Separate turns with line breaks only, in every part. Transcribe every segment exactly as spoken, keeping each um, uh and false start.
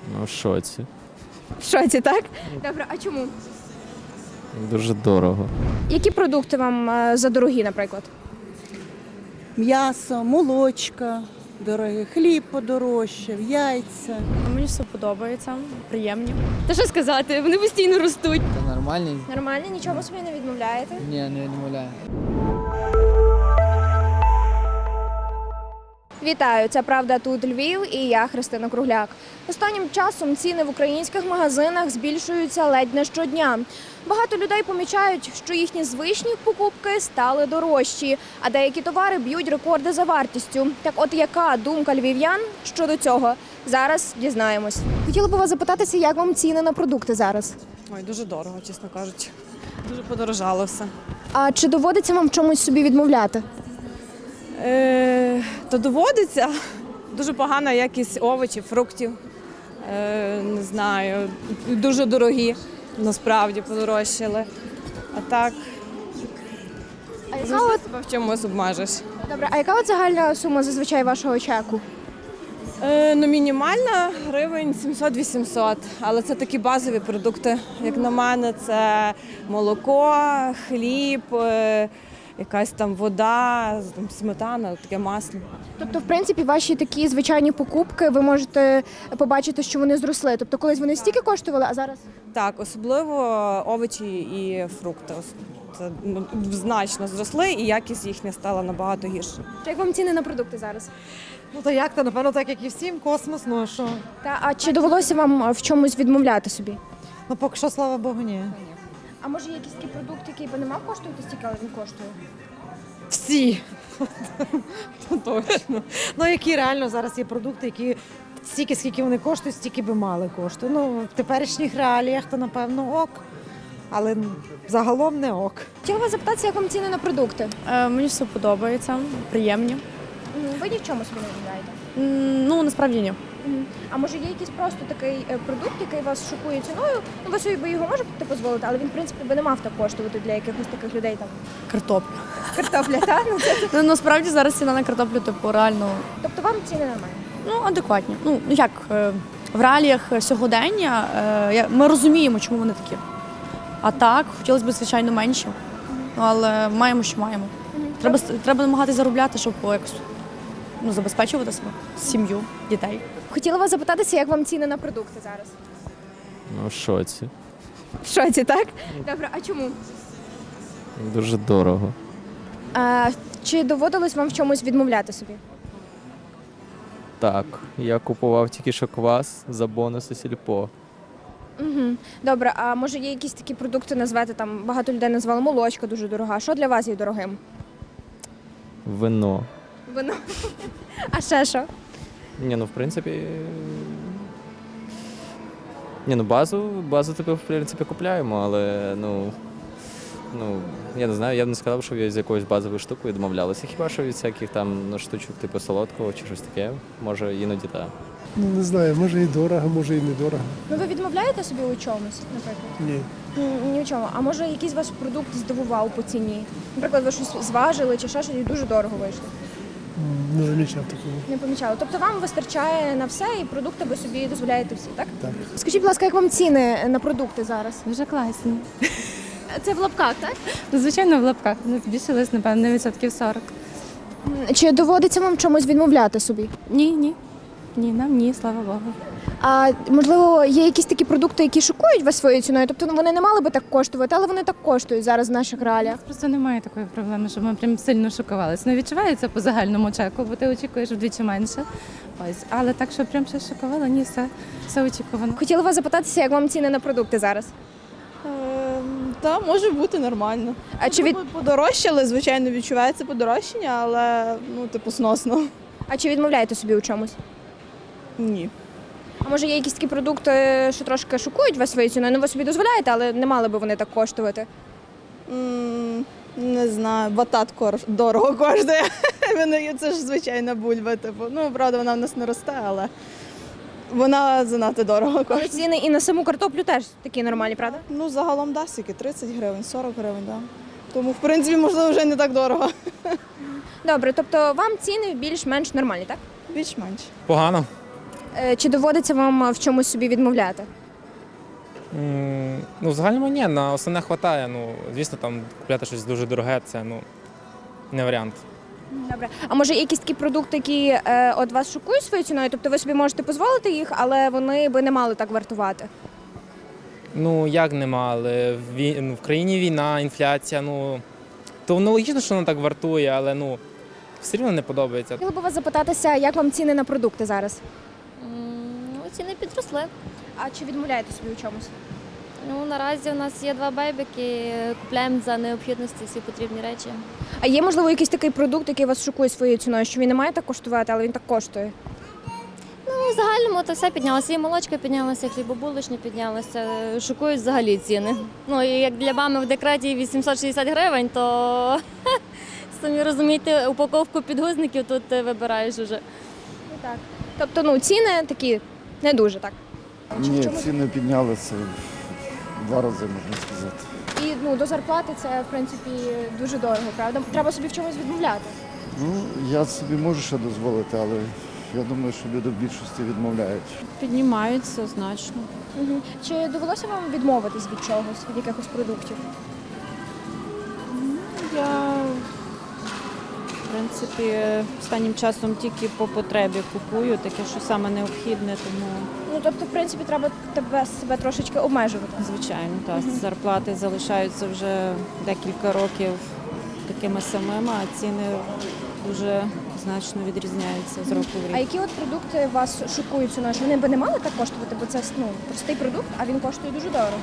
Ну, в шоці.
В шоці, так? Добре, а чому?
Дуже дорого.
Які продукти вам е, задорогі, наприклад?
М'ясо, молочка дорогі, хліб подорожчав, яйця.
Мені все подобається, приємні.
Та що сказати, вони постійно ростуть.
Та нормальний?
Нормально, нічого собі не відмовляєте?
Ні, не відмовляю.
Вітаю, це «Правда тут Львів» і я Христина Кругляк. Останнім часом ціни в українських магазинах збільшуються ледь не щодня. Багато людей помічають, що їхні звичні покупки стали дорожчі, а деякі товари б'ють рекорди за вартістю. Так от яка думка львів'ян щодо цього? Зараз дізнаємось. Хотіла б вас запитатися, як вам ціни на продукти зараз?
Ой, дуже дорого, чесно кажучи. Дуже подорожало все.
А чи доводиться вам в чомусь собі відмовляти?
Е, то доводиться. Дуже погана якість овочів, фруктів. Е, не знаю, дуже дорогі, насправді подорожчали. А так,
А яка
завжди
от,
себе в чомусь обмежиш.
добре, а яка от загальна сума зазвичай вашого чеку?
Е, ну, мінімальна гривень сімсот-вісімсот, але це такі базові продукти. Як на мене, це молоко, хліб, е, якась там вода, там, сметана, таке масло.
Тобто, в принципі, ваші такі звичайні покупки, ви можете побачити, що вони зросли. Тобто, колись вони стільки коштували, а зараз?
Так, особливо овочі і фрукти. Ос- Це ну, значно зросли, і якість їхня стала набагато гірше.
Як вам ціни на продукти зараз?
Ну то як то, напевно, так як і всім, космос, ну а що?
Та, а чи довелося вам в чомусь відмовляти собі?
Ну поки що, слава Богу, ні.
А може є якийсь такий продукт, який би не мав коштувати стільки, але він коштує?
Всі. Точно. Ну які реально зараз є продукти, які стільки, скільки вони коштують, стільки би мали кошту. Ну, в теперішніх реаліях то, напевно, ок. Але загалом не ок.
Хотіла вас запитатися, як вам ціни на продукти?
Е, мені все подобається, приємні.
Ви ні в чому собі не відмовляєте?
М, Ну, насправді ні.
А може є якийсь просто такий е, продукт, який вас шокує ціною? Ну, ви собі його можете дозволити, але він, в принципі, би не мав так коштувати для якихось таких людей, там,
Картопля.
картопля, так? Ну, це-
Ну, насправді зараз ціна на картоплю, типу, реально,
Тобто вам ціни нормальні?
ну, адекватні. Ну, як, е, в реаліях сьогодення е, я- ми розуміємо, чому вони такі. А так, хотілося б, звичайно, менші. Ну, але маємо, що маємо. Треба, с- треба намагатися заробляти, щоб якось ну, забезпечувати себе, сім'ю, дітей.
Хотіла вас запитатися, як вам ціни на продукти зараз?
Ну, в шоці.
В шоці, так? Добре, а чому?
Дуже дорого.
А, чи доводилось вам в чомусь відмовляти собі?
Так, я купував тільки що квас за бонуси сільпо.
Угу. Добре, а може є якісь такі продукти назвати, там багато людей назвали молочка дуже дорога. Що для вас є дорогим?
Вино.
Вино. А ще що?
Ні, ну в принципі. Ні, ну базу, базу типу, в принципі, купляємо, але ну. Ну, я не знаю, я б не сказав, що я з якоюсь базовою штукою відмовлялися. Хіба що від всяких там ну, штучок, типу солодкого чи щось таке, може іноді так.
Ну, не знаю, може і дорого, може і недорого.
Ну ви відмовляєте собі у чомусь, наприклад?
Ні.
Ні, ні в чому. А може якийсь ваш продукт здивував по ціні? Наприклад, ви щось зважили чи ще щось і дуже дорого вийшло?
М, Не замічав такого.
Не помічали. Тобто вам вистачає на все і продукти ви собі дозволяєте всі, так?
Так.
Скажіть, будь ласка, як вам ціни на продукти зараз?
Дуже класні.
Це в лапках, так?
Звичайно, в лапках. Вони збільшились, напевно, на відсотків сорок.
Чи доводиться вам в чомусь відмовляти собі?
Ні, ні. Ні, нам ні, слава Богу.
А можливо, є якісь такі продукти, які шокують вас своєю ціною? Тобто ну, вони не мали би так коштувати, але вони так коштують зараз в наших реаліях.
Просто немає такої проблеми, щоб ми прям сильно шокувалися. Ну, відчувається по загальному чеку, бо ти очікуєш вдвічі менше. Ось. Але так, що прям щось шокувало, ні, все, все очікувано.
Хотіла вас запитатися, як вам ціни на продукти зараз?
Та може бути нормально.
А чи від
Подорожчали, звичайно, відчувається подорожчання, але ну, типу, сносно.
а чи відмовляєте собі у чомусь?
Ні.
А може є якісь такі продукти, що трошки шокують вас своєю ціною? Ну ви собі дозволяєте, але не мали би вони так коштувати.
М, Не знаю, батат кор- дорого коштує. Вони- Це ж звичайна бульба. Типу. Ну, правда, вона в нас не росте, але вона занадто дорого
Але
коштує.
ціни і на саму картоплю теж такі нормальні, правда?
Ну, загалом да, скільки? тридцять гривень, сорок гривень, да. Тому, в принципі, можливо, вже не так дорого.
Добре, тобто вам ціни більш-менш нормальні, так?
Більш-менш.
Погано.
Е, Чи доводиться вам в чомусь собі відмовляти?
М, Ну, в загальному ні, на основне вистачає. Ну, звісно, там купляти щось дуже дороге, це ну, не варіант.
Добре. А може є якісь такі продукти, які е, от вас шокують своєю ціною? Тобто ви собі можете дозволити їх, але вони би не мали так вартувати?
Ну, як нема, але в, вій- ну, в країні війна, інфляція, ну, то воно логічно, що воно так вартує, але ну, все рівно не подобається.
Хотіла би вас запитатися, як вам ціни на продукти зараз?
Ну, ціни підросли.
А чи відмовляєте собі у чомусь?
Ну, наразі у нас є два бейбіки, купляємо за необхідності всі потрібні речі.
А є, можливо, якийсь такий продукт, який вас шокує своєю ціною, що він не має так коштувати, але він так коштує?
Ну, в загальному то все піднялося. І молочка піднялася, і хлібобулочні піднялися. Шокують взагалі ціни. Ну, і як для мами в декреті вісімсот шістдесят гривень, то самі розумієте, упаковку підгузників тут вибираєш уже.
Так. Тобто, ну, ціни такі не дуже, так? Чи в
Ні,
чому-
ціни піднялися в два рази, можна сказати.
І ну, до зарплати це, в принципі, дуже дорого, правда? Треба собі в чомусь відмовляти.
Ну, я собі можу ще дозволити, але я думаю, що люди в більшості відмовляють.
Піднімаються значно.
Угу. Чи довелося вам відмовитись від чогось, від якихось продуктів?
Я, в принципі, останнім часом тільки по потребі купую, таке, що саме необхідне, тому,
Ну, тобто, в принципі, треба тебе себе трошечки обмежувати.
звичайно, так, зарплати залишаються вже декілька років такими самими, а ціни дуже значно відрізняються з року в
А
рік.
які от продукти вас шокують ціною? Що вони би не мали так коштувати, бо це ну, простий продукт, а він коштує дуже дорого.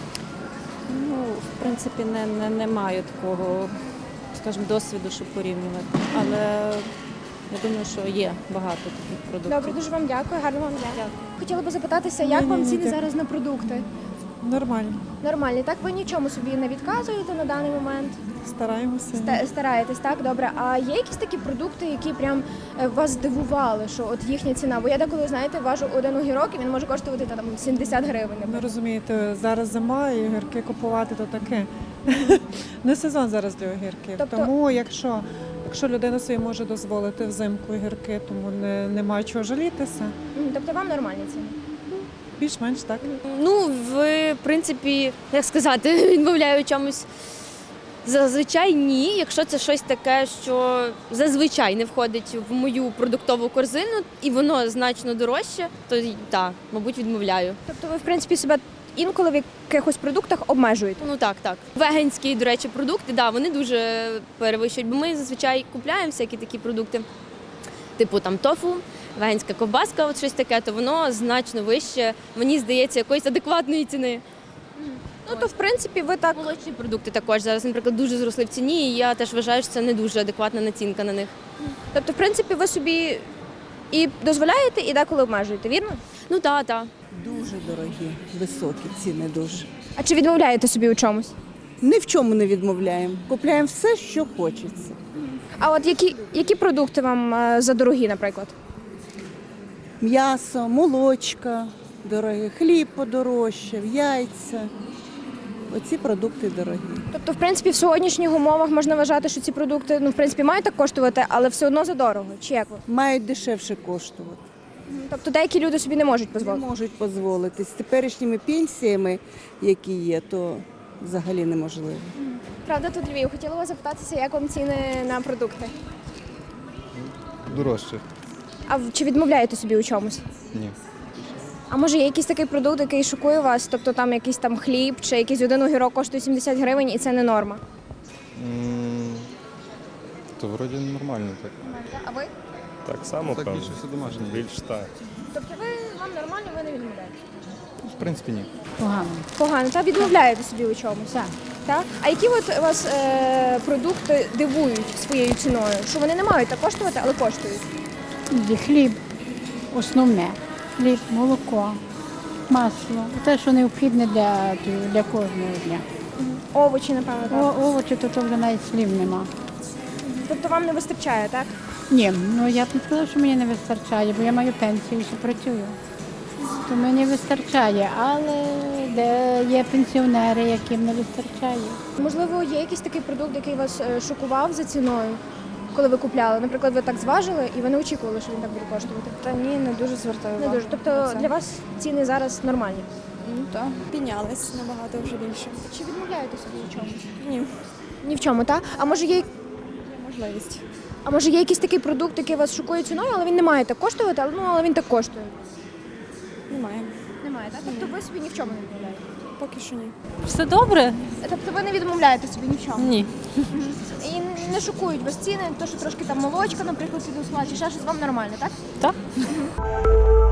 Ну, в принципі, не, не, не маю такого, скажімо, досвіду, щоб порівнювати. Але я думаю, що є багато таких продуктів.
Добре, дуже вам дякую, гарного вам дня. Хотіла би запитатися, як вам ціни зараз на продукти?
Нормально.
Нормальні, так? Ви нічому собі не відказуєте на даний момент?
Стараємося.
Ста- Стараєтесь, так? Добре. А є якісь такі продукти, які прям е, вас здивували, що от їхня ціна? Бо я деколи, знаєте, важу один огірок, і він може коштувати та, там сімдесят гривень.
Ви
наприклад.
розумієте, зараз зима і огірки купувати то таке. Не сезон зараз для огірків.
Тобто-
Тому якщо, якщо людина собі може дозволити взимку огірки, тому не, немає чого жалітися.
Мгм, Тобто вам нормальні ціни?
Більш-менш так.
Ну, в принципі, як сказати, відмовляю чомусь. Зазвичай ні, якщо це щось таке, що зазвичай не входить в мою продуктову корзину і воно значно дорожче, то так, мабуть, відмовляю.
Тобто ви, в принципі, себе інколи в якихось продуктах обмежуєте?
Ну так, так. Веганські, до речі, продукти, да, вони дуже перевищують, бо ми зазвичай купляємо всякі такі продукти, типу там тофу, веганська ковбаска, от щось таке, то воно значно вище, мені здається, якоїсь адекватної ціни.
Ну, то, в принципі, ви так...
Молочні продукти також зараз, наприклад, дуже зросли в ціні, і я теж вважаю, що це не дуже адекватна націнка на них.
Тобто, в принципі, ви собі і дозволяєте, і деколи обмежуєте, вірно?
Ну так, так.
Дуже дорогі, високі ціни дуже.
А чи відмовляєте собі у чомусь?
Ні в чому не відмовляємо. Купляємо все, що хочеться.
А от які, які продукти вам е, задорогі, наприклад?
М'ясо, молочка дорогі, хліб подорожчав, яйця. Оці продукти дорогі.
Тобто, в принципі, в сьогоднішніх умовах можна вважати, що ці продукти, ну, в принципі, мають так коштувати, але все одно задорого. Чи як ви?
Мають дешевше коштувати.
Тобто деякі люди собі не можуть
Не
дозволити.
можуть дозволити. З теперішніми пенсіями, які є, то взагалі неможливо.
Правда, тут Львів. Хотіла вас запитатися, як вам ціни на продукти?
Дорожче.
А в- чи відмовляєте собі у чомусь?
Ні.
А може є якийсь такий продукт, який шокує вас? Тобто там якийсь там хліб чи якийсь один огірок коштує сімдесят гривень і це не норма?
То вроді нормально так.
А ви?
Так само,
Так
певно.
більше все домашнє.
Більш так.
Тобто ви вам нормально, ви не відмовляєте?
В принципі, ні.
Погано.
Погано, та відмовляєте собі у чомусь? Так. Так? А які от вас е, продукти дивують своєю ціною? Що вони не мають так коштувати, але коштують?
Хліб основне. Хліб, молоко, масло. Те, що необхідне для, для кожного дня.
Овочі, напевно, так?
О, овочі, то, то вже навіть слів нема.
Тобто вам не вистачає, так?
Ні, ну я б не сказала, що мені не вистачає, бо я маю пенсію і ще працюю. То мені вистачає, але де є пенсіонери, яким не вистачає.
Можливо, є якийсь такий продукт, який вас е, шокував за ціною? коли ви купляли? Наприклад, ви так зважили і ви не очікували, що він так буде коштувати?
Та ні, не дуже звертаю
Не
увагу.
дуже. Тобто
на це.
для вас ціни зараз нормальні?
Ну так, піднялись набагато вже більше.
Чи відмовляєте собі в чомусь?
Ні,
Ні в чому, так? А може є,
є можливість.
а може є якийсь такий продукт, який вас шокує ціною, але він не має так коштувати, але, ну, але він так коштує?
Немає.
Немає, так? Тобто ви собі ні в чому не відмовляєте?
Поки що ні.
Все добре?
Тобто ви не відмовляєте собі ні в чому?
Ні.
І не- не шокують вас ціни, то що трошки там молочка, наприклад, підросла, чи ще щось вам нормально, так?
Так.